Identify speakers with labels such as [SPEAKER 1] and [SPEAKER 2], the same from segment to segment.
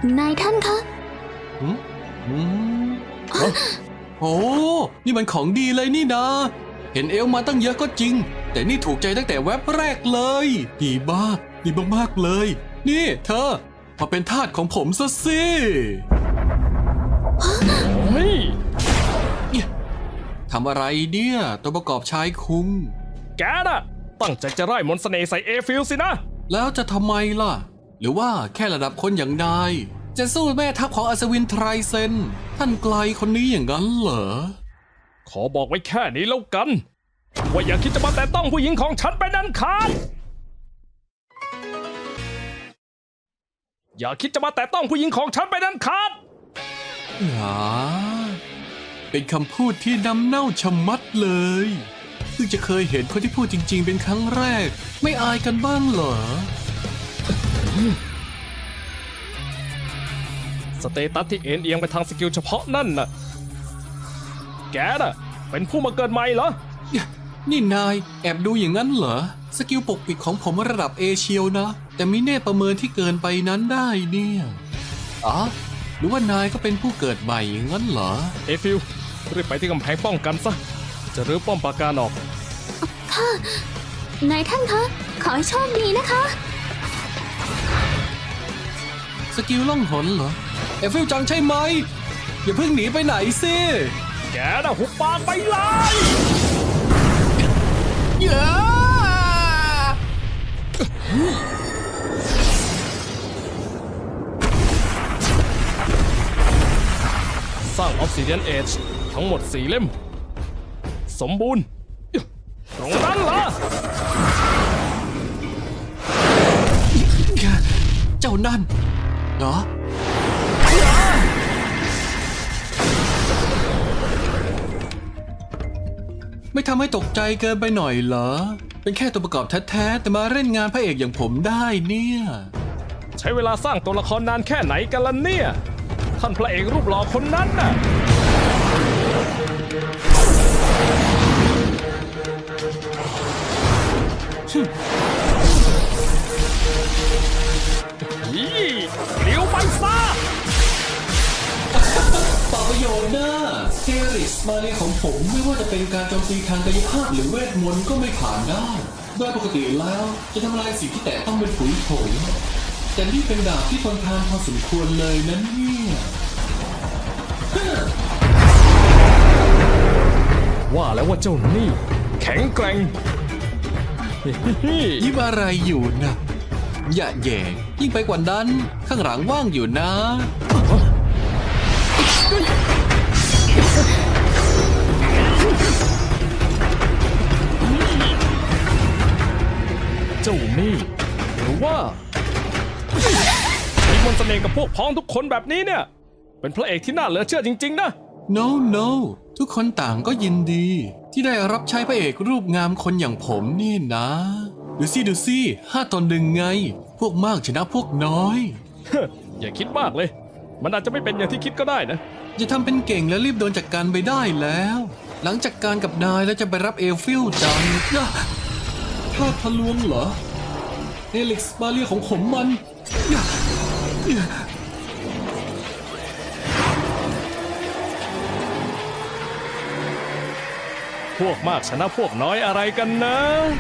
[SPEAKER 1] นายท่านคะ
[SPEAKER 2] อืมโอ้นี่มันของดีเลยนี่นะเห็นเอลมาตั้งเยอะก็จริงแต่นี่ถูกใจตั้งแต่แว็บแรกเลยดีมากเลย นี่เธอมาเป็นทาสของผมซะสิทำอะไรเนี่ยตัวประกอบชายคุง
[SPEAKER 3] แกน่ะตั้งใจจะไล่มนต์เสน่ห์ใส่เอฟิลสินะ
[SPEAKER 2] แล้วจะทำไมล่ะหรือว่าแค่ระดับคนอย่างนายจะสู้แม่ทัพของอัศวินไทรเซนท่านไกลคนนี้อย่างนั้นเหรอ
[SPEAKER 3] ขอบอกไว้แค่นี้แล้วกันว่าอย่าคิดจะมาแต่ต้องผู้หญิงของฉันไปนั้นขาดอย่าคิดจะมาแต่ต้องผู้หญิงของฉันไปนั้นขาด
[SPEAKER 2] เป็นคำพูดที่น้ำเน่าชะมัดเลยเพิ่งจะเคยเห็นคนที่พูดจริงๆเป็นครั้งแรกไม่อายกันบ้างเหรอ
[SPEAKER 3] สเตตัสที่เอ็นเอียงไปทางสกิลเฉพาะนั่นน่ะแกน่ะเป็นผู้มาเกิดใหม่เหรอ
[SPEAKER 2] นี่นายแอบดูอย่างนั้นเหรอสกิลปกปิดของผมระดับเอเชียวนะแต่มีเนตประเมินที่เกินไปนั้นได้เนี่ยอ๋อหรือว่านายก็เป็นผู้เกิดใหม่อย่างนั้นเหรอ
[SPEAKER 3] เอฟิลรีบไปที่กำแพงป้องกันซะจะรื้อป้อมปราการออก
[SPEAKER 1] ค่ะนายท่านคะขอให้โชคดีนะคะ
[SPEAKER 2] สกิลล่องหนเหรอเอฟิลจังใช่ไหมอย่าเพิ่งหนีไปไหนสิ
[SPEAKER 3] แกน่ะหุบปากไปเลยสร้างออฟซิเดียนเอจทั้งหมด4 เล่มสมบูรณ์ตรงนั้นเหรอ
[SPEAKER 2] เจ้านั่นเหรอไม่ทำให้ตกใจเกินไปหน่อยเหรอเป็นแค่ตัวประกอบแท้ๆแต่มาเล่นงานพระเอกอย่างผมได้เนี่ย
[SPEAKER 3] ใช้เวลาสร้างตัวละครนานแค่ไหนกันล่ะเนี่ยท่านพระเอกรูปหล่อคนนั้นน่ะเลี้ยวไปซะ
[SPEAKER 2] ต่อประโยชน์นะเทริสมาเรียของผมไม่ว่าจะเป็นการโจมตีทางกายภาพหรือเวทมนต์ก็ไม่ผ่านได้โดยปกติแล้วจะทำลายสิ่งที่แตะต้องเป็นผุยผงแต่นี่เป็นดาบที่ทนทานพอสมควรเลยนั้นเนี่ย
[SPEAKER 3] ว่าแล้วว่าเจ้านี่แข็งแกร่ง
[SPEAKER 2] ยิ้มอะไรอยู่นะอย่าแย่ยิ่งไปกว่านั้นข้างหลังว่างอยู่นะ
[SPEAKER 3] เจ้านี่หรือว่ามีมนต์เสน่ห์กับพวกพ้องทุกคนแบบนี้เนี่ยเป็นพระเอกที่น่าเหลือเชื่อจริงๆนะ
[SPEAKER 2] No ทุกคนต่างก็ยินดีที่ได้รับใช้พระเอกรูปงามคนอย่างผมนี่นะดูสิ5-1ไงพวกมากชนะพวกน้อย
[SPEAKER 3] อย่าคิดมากเลยมันอาจจะไม่เป็นอย่างที่คิดก็ได้นะ
[SPEAKER 2] อย่าทำเป็นเก่งแล้วรีบโดนจัดการไปได้แล้วหลังจากการกับนายแล้วจะไปรับเอลฟิลจังถ้าทะลวงเหรอเอลิกซ์มาเรียของผมมัน
[SPEAKER 3] พวกมากชนะพวกน้อยอะไรกันนะ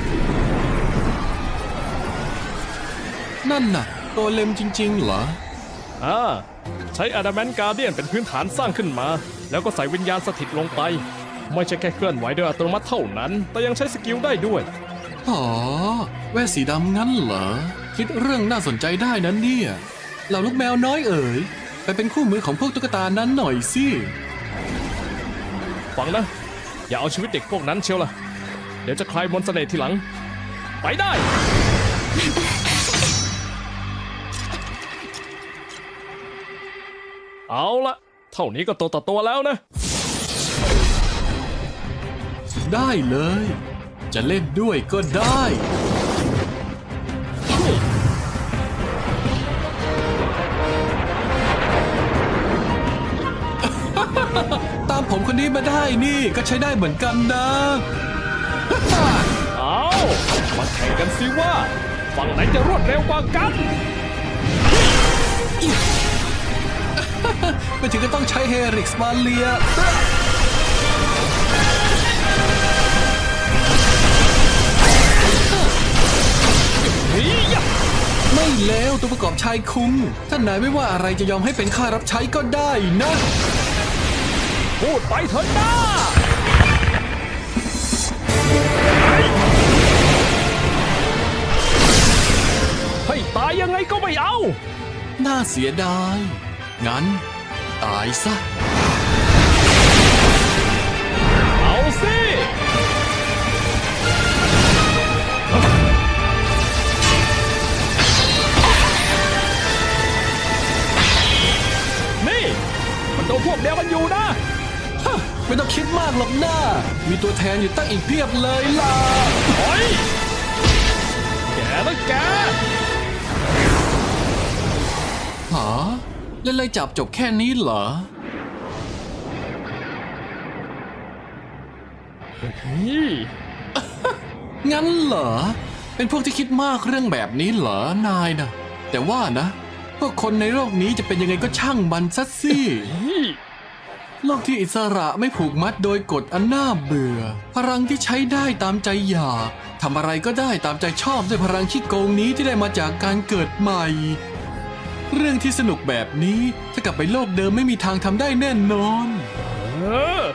[SPEAKER 2] นั่นน่ะตัวเลมจริงๆเหรอ
[SPEAKER 3] ใช้อะดามนต์การ์เดียนเป็นพื้นฐานสร้างขึ้นมาแล้วก็ใส่วิญญาณสถิตลงไปไม่ใช่แค่เคลื่อนไหวโดยอัตโนมัติเท่านั้นแต่ยังใช้สกิลได้ด้วย
[SPEAKER 2] อ๋อแว่นสีดำงั้นเหรอคิดเรื่องน่าสนใจได้นั้นเนี่ยเหล่าลูกแมวน้อยเอ๋ยไปเป็นคู่มือของพวกตุ๊กตานั้นหน่อยสิ
[SPEAKER 3] ฟังนะอย่าเอาชีวิตเด็กพวกนั้นเชียวล่ะเดี๋ยวจะคลายมนต์เสน่ห์ทีหลังไปได้เอาละเท่านี้ก็ตัวต่อตัวแล้วนะ
[SPEAKER 2] ได้เลยจะเล่นด้วยก็ได้ตามผมคนนี้มาได้นี่ก็ใช้ได้เหมือนกันนะ
[SPEAKER 3] เอามาแข่งกันสิว่าฝั่งไหนจะรวดเร็วกว่ากัน
[SPEAKER 2] ไม่ถึงก็ต้องใช้เฮริกส์มาเลียไม่แล้วตัวประกอบชายคุงท่านนายไม่ว่าอะไรจะยอมให้เป็นข้ารับใช้ก็ได้นะ
[SPEAKER 3] พูดไปเถอะนะให้ตายยังไงก็ไม่เอา
[SPEAKER 2] น่าเสียดาย งั้น ตายซะ
[SPEAKER 3] เอาสิ นี่ มันโดนพวกเดียวกันอยู่นะ
[SPEAKER 2] ไม่ต้องคิดมากหรอกหน้า มีตัวแทนอยู่ตั้งอีกเพียบเลยล่ะ
[SPEAKER 3] โอ้ยแกนะแก
[SPEAKER 2] หาเล่นไล่จับจบแค่นี้เหรอ
[SPEAKER 3] นี่
[SPEAKER 2] งั้นเหรอ เป็นพวกที่คิดมากเรื่องแบบนี้เหรอนายนะแต่ว่านะพวกคนในโลกนี้จะเป็นยังไงก็ช่างมันซะสิ
[SPEAKER 3] นี่
[SPEAKER 2] โลกที่อิสระไม่ผูกมัดโดยกฎอันน่าเบื่อ พลังที่ใช้ได้ตามใจอยากทำอะไรก็ได้ตามใจชอบด้วยพลังขี้โกงนี้ที่ได้มาจากการเกิดใหม่ เรื่องที่สนุกแบบนี้ถ้ากลับไปโลกเดิมไม่มีทางทำได้แน่นอน
[SPEAKER 3] เออ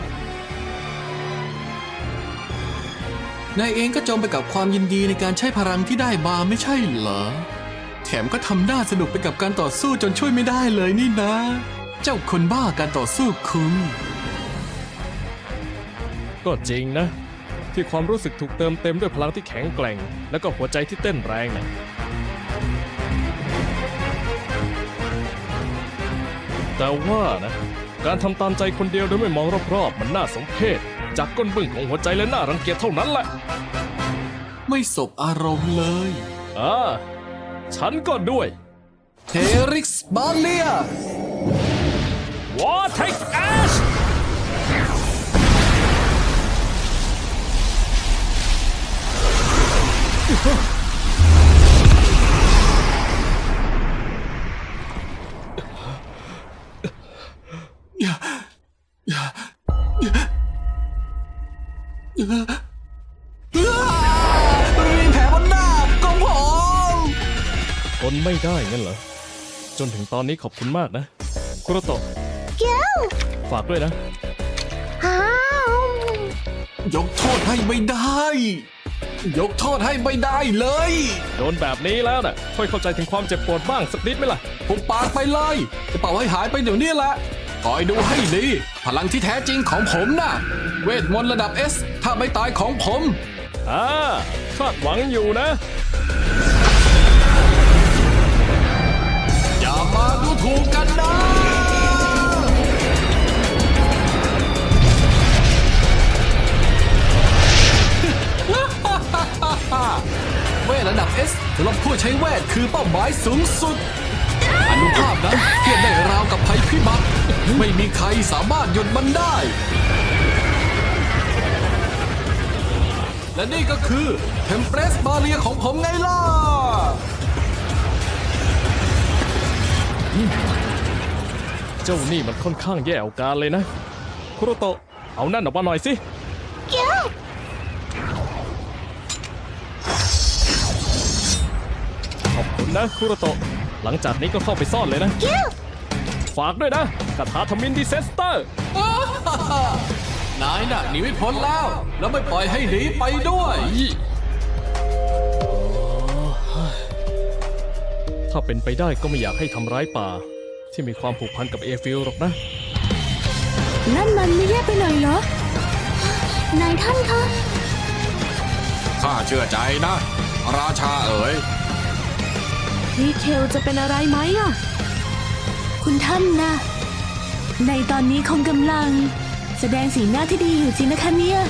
[SPEAKER 2] นายเองก็จมไปกับความยินดีในการใช้พลังที่ได้มาไม่ใช่เหรอ แถมก็ทำหน้าสนุกไปกับการต่อสู้จนช่วยไม่ได้เลยนี่นะ เจ้าคนบ้าการต่อสู้คุณ
[SPEAKER 3] ก็จริงนะ ที่ความรู้สึกถูกเติมเต็มด้วยพลังที่แข็งแกร่ง และก็หัวใจที่เต้นแรงนะแต่ว่านะ การทำตามใจคนเดียวโดยไม่มองรอบๆมันน่าสมเพชจากก้นบึ้งของหัวใจและน่ารังเกียจเท่านั้นแหละ
[SPEAKER 2] ไม่สบอารมณ์เลย
[SPEAKER 3] ฉันก็ด้วย
[SPEAKER 2] เฮริกส์บาเลีย
[SPEAKER 3] Vortex Ash
[SPEAKER 2] มีแผลบนหน้าของผม
[SPEAKER 3] ทนไม่ได้งั้นเหรอ จนถึงตอนนี้ขอบคุณมากนะ คุโรโตะ
[SPEAKER 1] เกี้ยว
[SPEAKER 3] ฝากด้วยนะ
[SPEAKER 1] อ้าวย
[SPEAKER 2] กโทษให้ไม่ได้ ยกโทษให้ไม่ได้เลย
[SPEAKER 3] โดนแบบนี้แล้วน่ะ ค่อยเข้าใจถึงความเจ็บปวดบ้างสักนิดไหมล่ะ
[SPEAKER 2] ผมปากไปเลย จะเป่าให้หายไปเดี๋ยวนี้แหละคอยดูให้ดี พลังที่แท้จริงของผมน่ะ เวทมนต์ระดับ S ถ้าไม่ตายของผม
[SPEAKER 3] คาดหวังอยู่นะ
[SPEAKER 2] อย่ามาดูถูกกันนะ เวทระดับ S สำหรับผู้ใช้เวทคือเป้าหมายสูงสุด อนุภาพนั้นเทียบได้ราวกับภัยพิบัติ ไม่มีใครสามารถหยุดมันได้ และนี่ก็คือเทมเพรสบาเรียของผมไงล่ะ
[SPEAKER 3] เจ้านี่มันค่อนข้างแย่เอาการเลยนะ คุโรโตะ เอานั่นออกมาหน่อยสิ
[SPEAKER 1] เกี้ยว
[SPEAKER 3] ขอบคุณนะคุโรโตะ หลังจากนี้ก็เข้าไปซ่อนเลยนะ
[SPEAKER 1] เกี้ยว
[SPEAKER 3] ฝากด้วยนะคาถาทมินดิเซสเตอร์
[SPEAKER 2] นายน่ะหนีไม่พ้นแล้ว แล้วไม่ปล่อยให้หนีไปด้วย
[SPEAKER 3] ถ้าเป็นไปได้ก็ไม่อยากให้ทำร้ายป่า ที่มีความผูกพันกับเอฟิลหรอกนะ
[SPEAKER 1] นั่นมันไม่แย่ไปหน่อยเหรอ นายท่านคะ
[SPEAKER 2] ข้าเชื่อใจนะ ราชาเอ๋ย
[SPEAKER 1] พี่เคลจะเป็นอะไรไหมอ่ะ คุณท่านนะ ในตอนนี้คงกำลัง แสดงสีหน้าที่ดีอยู่จริงนะคะเนี่ย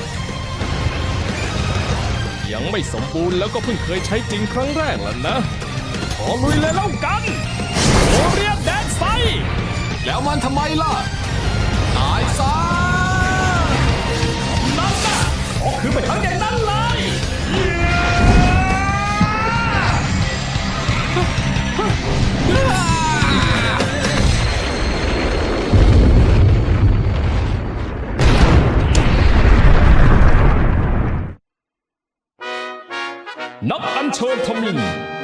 [SPEAKER 3] ยังไม่สมบูรณ์แล้วก็เพิ่งเคยใช้จริงครั้งแรกแล้วนะ ขอลุยเลยแล้วกันโอเรียนแดนไซ
[SPEAKER 2] แล้วมันทำไมล่ะ ตายซะ
[SPEAKER 3] นั่นน่ะออกคือไปทั้งอย่างนั้นเลย
[SPEAKER 2] เ
[SPEAKER 3] นักอัญเชิญทมิฬ